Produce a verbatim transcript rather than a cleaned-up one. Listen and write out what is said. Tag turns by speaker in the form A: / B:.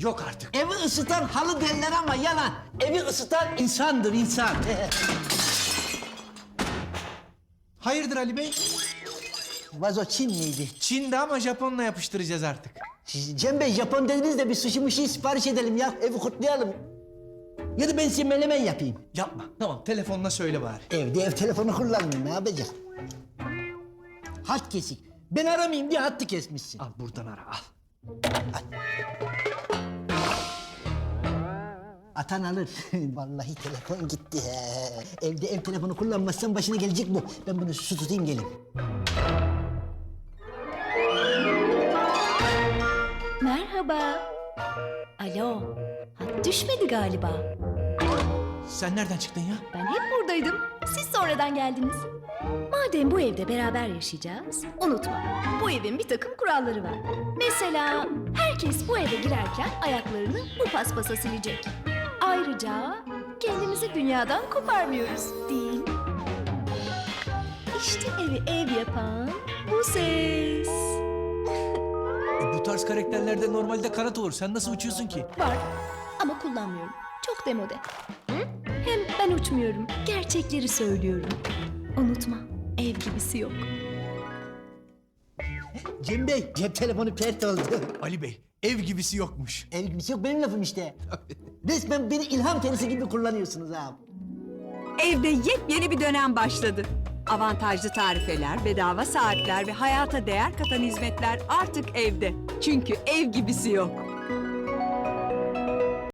A: Yok artık.
B: Evi ısıtan halı derler ama yalan. Evi ısıtan insandır insan.
A: Hayırdır Ali Bey?
B: Vazo Çin miydi?
A: Çin'de ama Japon'la yapıştıracağız artık.
B: Siz Cem Bey Japon dediniz de bir sushi muşi sipariş edelim ya. Evi kutlayalım. Ya da ben size menemen yapayım.
A: Yapma. Tamam, telefonla söyle bari.
B: Evde ev telefonu kullanmıyorum, ne yapacak? Hat kesik. Ben aramayayım diye hattı kesmişsin.
A: Al buradan ara, al.
B: Atan alır. Vallahi telefon gitti. He. Evde ev telefonu kullanmazsan başına gelecek bu. Ben bunu su tutayım gelin.
C: Merhaba. Alo. Hat düşmedi galiba.
A: Sen nereden çıktın ya?
C: Ben hep buradaydım. Siz sonradan geldiniz. Madem bu evde beraber yaşayacağız, unutma. Bu evin bir takım kuralları var. Mesela herkes bu eve girerken ayaklarını bu paspasa silecek. Ayrıca kendimizi dünyadan koparmıyoruz, değil mi? İşte evi ev yapan bu ses.
A: E, bu tarz karakterlerde normalde kanat olur. Sen nasıl uçuyorsun ki?
C: Var ama kullanmıyorum. Çok demode. Hem ben uçmuyorum. Gerçekleri söylüyorum. Unutma, ev gibisi yok.
B: Cem Bey, cep telefonu pert oldu.
A: Ali Bey, ev gibisi yokmuş.
B: Ev gibisi yok, benim lafım işte. Resmen beni ilham tenisi gibi kullanıyorsunuz abi.
D: Evde yepyeni bir dönem başladı. Avantajlı tarifeler, bedava saatler ve hayata değer katan hizmetler artık evde. Çünkü ev gibisi yok.